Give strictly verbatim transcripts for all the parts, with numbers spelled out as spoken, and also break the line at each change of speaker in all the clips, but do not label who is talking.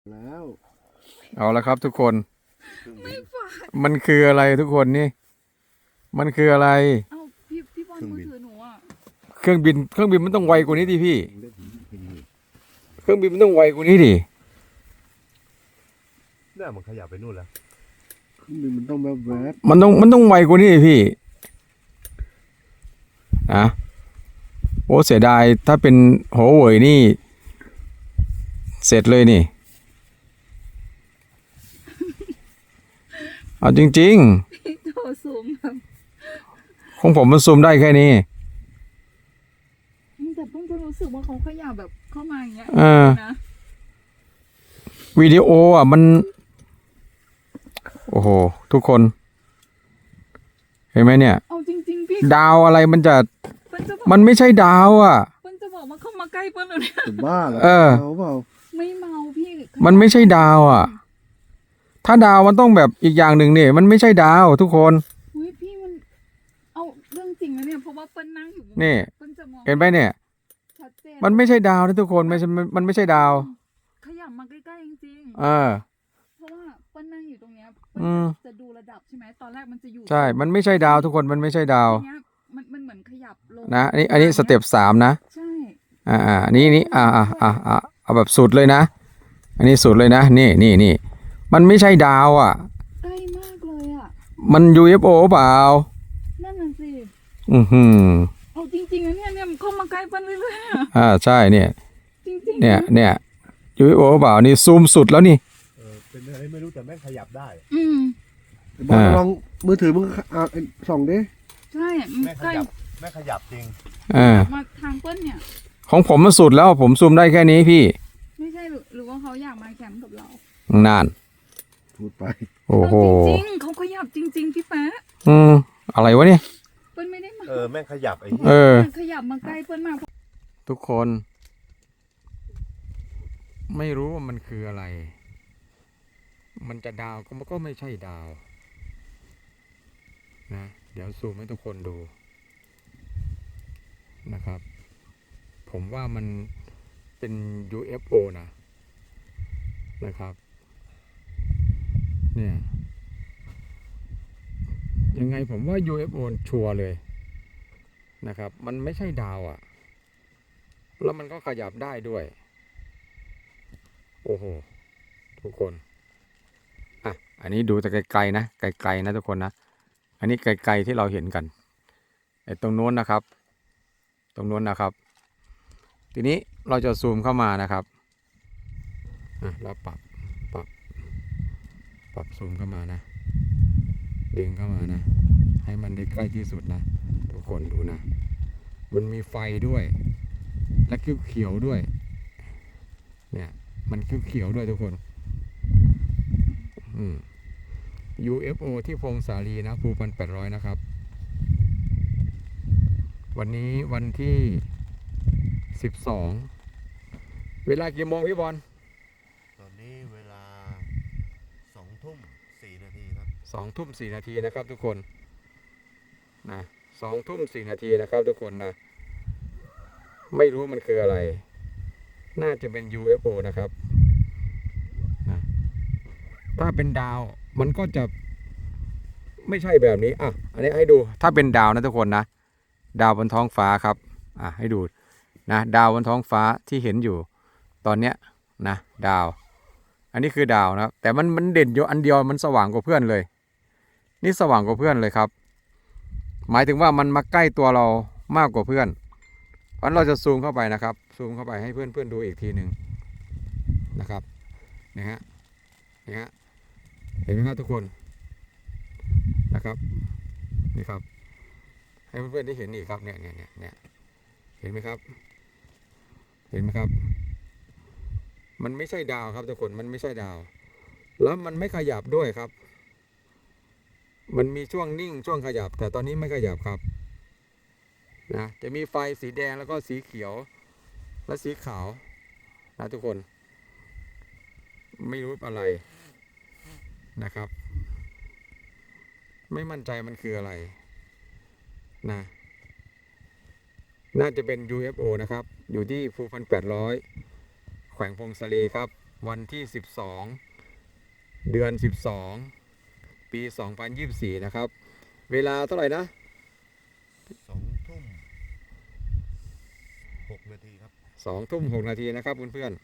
แล้ว
เอาละครับทุกคน
ไม่ฝาด
มันคืออะไรทุกคนนี่มันคืออะไร
เอาพี่พี่บอลมือถือหนูอ่ะ
เครื่องบินเครื่องบินมันต้องไวกว่านี้ดิพี่เครื่องบินมันต้องไวกว่านี้ดิ
เนี่ยมันขยับไปนู่นแล้วเครื่องบินมันต้องแบบแวบ
มันต้องมันต้องไวกว่านี้ดิพี่นะโอ้เสียดายถ้าเป็นโหเว่ยนี่เสร็จเลยนี่เอาจริง
พี่โทรซูมแบบ
ๆของผมมันซูมได้แค่นี้
แต่เพิ่งจะรู้สึกว่าเขาขยับแบบเข้ามาอย่างเงี้ย
เออ
นะ
วิดีโออ่ะมันโอ้โหทุกคนเห็นไหมเนี่ย
เอาจริงๆพี่
ดาวอะไรมันจะ
เปิ้ลจะบอก
มันไม่ใช่ดาวอ่ะ
เปิ้ลจะบอกมาเข้ามาใกล้เปิ้ลเลยเนี่ย
จะบ้าเหรอ
เออ
เมาเปล่า
ไม่เมาพี่
มันไม่ใช่ดาวอ่ะ ถ้าดาวมันต้องแบบอีกอย่างหนึ่งเนี่ยมันไม่ใช่ดาวทุกคน
อุ้ยพี่มันเอาเรื่องจริงนะเนี่ยเพราะว่าเปิ้ลนั่งอยู่
นี่
เปิ้ลจะมอง
เห็นไหมเนี่ย
ชัดเจน
มันไม่ใช่ดาวนะทุกคนไม่ใช่มันมันไม่ใช่ดาว
ขยับมาใกล้ๆจริง
เออ
ๆเพราะว่าเปิ้ลนั่งอยู่ตรงเนี้ย
อืม
จะดูระดับใช่ไหมตอนแรกมันจะอยู่
ใช่ มันไม่ใช่ดาวทุกคนมันไม่ใช่ดาว
ทีเนี้ยมันมันเหมือนขยับลง
นะอันนี้อันนี้สเต็ปสามนะ
ใช่
อ่าอ่านี่นี่อ่าอ่าอ่าอ่าเอาแบบสุดเลยนะ อันนี้สุดเลยนะนี่นี่นี่มันไม่ใช่ดาวอ่ะ
ใกล้มากเลยอ่ะ
มัน ยู เอฟ โอ เปล่า
นั่นน่ะสิ
อือหือ
เอาจริงๆนะเนี่ยเนี่ยมันเข้ามาใกล้เปิ้ลเรื่อยๆอะ
อ่าใช่เนี่ย
จริงๆ
เนี่ยเนี่ย ยู เอฟ โอ เปล่านี่ซูมสุดแล้วนี่
เออเป็นอะไรไม่รู้แต่แม่งขยับได้
อืม
บอลลองมือถือมึงอ่าส่องดิ
ใช่มัน
แม่งข
ใกล้
ยับแม่งขยับจริง
อ่า
มาทางเปิ้ลเนี่ย
ของผมมันสุดแล้วผมซูมได้แค่นี้พี่
ไม่ใช่หรือหรือว่าเขาอยากมาแคมป์กับเรา
นาน
พูดไป
โอ้โห
เอาจริงๆเขาขยับจริง ๆพี่แป๊ะ
อืมอะไรวะเนี่ย
เปิ้ลไม่ได้มา
เออแม่งขยับไอ้
เออ
มันขยับมาใกล้เปิ้ลมาก
ทุกคน ไม่รู้ว่ามันคืออะไร มันจะดาวก็มันก็ไม่ใช่ดาวนะเดี๋ยวซูมให้ทุกคนดูนะครับ ผมว่ามันเป็น ยู เอฟ โอ นะนะครับ เนี่ยยังไงผมว่า ยู เอฟ โอ ชัวร์เลยนะครับ มันไม่ใช่ดาวอะ่ะ แล้วมันก็ขยับได้ด้วย โอ้โหทุกคนอ่ะอันนี้ดูแต่ไกลๆนะไกลๆนะทุกคนนะอันนี้ไกลๆที่เราเห็นกันไอ้ตรงโน้นนะครับ ตรงโน้นนะครับ ทีนี้เราจะซูมเข้ามานะครับอ่ะเราปรับปรับปรับซูมเข้ามานะดึงเข้ามานะให้มันได้ใกล้ที่สุดนะทุกคนดูนะมันมีไฟด้วยและเขียวๆด้วยเนี่ยมันเขียวๆด้วยทุกคนอืม ยู เอฟ โอ ที่พงสาลีนะภูพันแปดร้อยนะครับวันนี้วันที่สิบสองเวลากี่โมงพี่บอล
ตอนนี้เวลาสองทุ่มสี่นาทีครับ
สองทุ่มสี่นาทีนะครับทุกคนนะสองทุ่มสี่นาทีนะครับทุกคนนะไม่รู้มันคืออะไรน่าจะเป็น ยู เอฟ โอ นะครับนะถ้าเป็นดาวมันก็จะไม่ใช่แบบนี้อ่ะอันนี้ให้ดูถ้าเป็นดาวนะทุกคนนะดาวบนท้องฟ้าครับอ่ะให้ดูนะดาวบนท้องฟ้าที่เห็นอยู่ตอนเนี้ยนะดาวอันนี้คือดาวนะแต่มันมันเด่นอยู่อันเดียวมันสว่างกว่าเพื่อนเลยนี่สว่างกว่าเพื่อนเลยครับหมายถึงว่ามันมาใกล้ตัวเรามากกว่าเพื่อนเพราะเราจะซูมเข้าไปนะครับซูมเข้าไปให้เพื่อนเพื่อนดูอีกทีหนึ่งนะครับนี่ฮะนี่ฮะเห็นไหมครับทุกคนนะครับนี่ครับให้เพื่อนๆได้เห็นอีกครับเนี่ยเนี่ยเนี่ยเนี่ยเห็นไหมครับเห็นไหมครับมันไม่ใช่ดาวครับทุกคนมันไม่ใช่ดาวแล้วมันไม่ขยับด้วยครับมันมีช่วงนิ่งช่วงขยับแต่ตอนนี้ไม่ขยับครับนะจะมีไฟสีแดงแล้วก็สีเขียวและสีขาวนะทุกคนไม่รู้อะไรนะครับไม่มั่นใจมันคืออะไรนะน่าจะเป็น ยู เอฟ โอ นะครับอยู่ที่ภูพันแปดร้อยแขวงพงศาลีครับวันที่สิบสองเดือนสิบสองปีสองพันยี่สิบสี่นะครับเวลาเท่าไหร่นะ
สองทุ่มหกนาทีครับ
สองทุ่มหกนาทีนะครับเพื่อน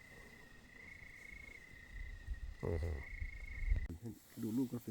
ๆโอ้โห
ดูลูกกาแฟ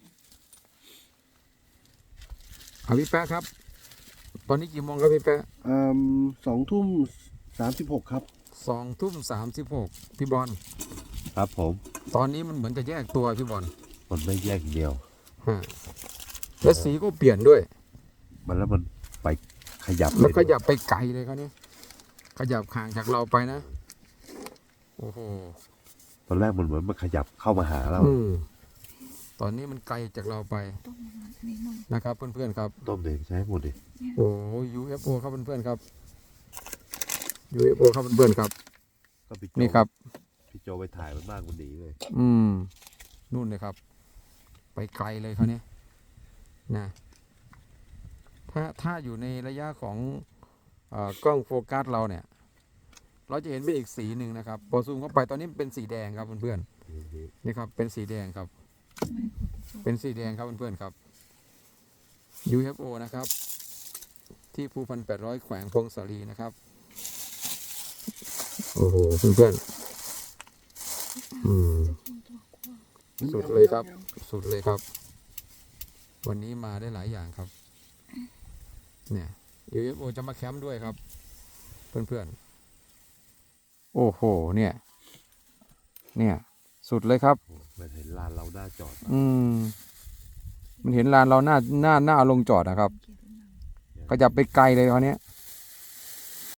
เอาพี่แป๊ะครับ ตอนนี้กี่โมงครับพี่แป๊ะ
อ่าสองทุ่มสามสิบหกครับ
สองทุ่มสามสิบหกพี่บอล
ครับผม
ตอนนี้มันเหมือนจะแยกตัวพี่บอล
มันไม่แยกเดียว
ฮะแล้วสีก็เปลี่ยนด้วย
มันแล้วมันไปขยับ
แล้วข
เลย
ยับไปไกลเลยครับเนี่ยขยับห่างจากเราไปนะ โอ้โห
ตอนแรกมันเหมือนมันขยับเข้ามาหาเรา
อืมตอนนี้มันไกลจากเราไป
ต้มมันอันนี้หน่อย
นะครับเพื่อนๆครับ
ต้มเด็กใช้หมดดิ
โอ้ ยู เอฟ โอ ครับเพื่อนๆครับ ยู เอฟ โอ ครับเพื่อนๆครับ
ก็พี่โจ
นี่ครับ
พี่โจไปถ่ายมันมากมันหนีเลย
อืม นู่นเลยครับ ไปไกลเลยเขาเนี่ยนะ ถ้าถ้าอยู่ในระยะของเออกล้องโฟกัสเราเนี่ย เราจะเห็นเป็นอีกสีหนึ่งนะครับ พอซูมเข้าไปตอนนี้เป็นสีแดงครับเพื่อนๆนี่ครับ เป็นสีแดงครับ เป็นสีแดงครับเพื่อนๆครับ ยู เอฟ โอ นะครับ ที่ภูพันแปดร้อยแขวงพงศาลีนะครับ โอ้โหเพื่อนๆอืม สุดเลยครับ สุดเลยครับ วันนี้มาได้หลายอย่างครับ เนี่ย ยู เอฟ โอ จะมาแคมป์ด้วยครับ เพื่อนๆ โอ้โห เนี่ย เนี่ย สุดเลยครับ
มันเห็นลานเราหน้าจอด
อืม มันเห็นลานเราหน้าหน้าหน้าลงจอดนะครับ ก็จะไปไกลเลยคราวเนี้ย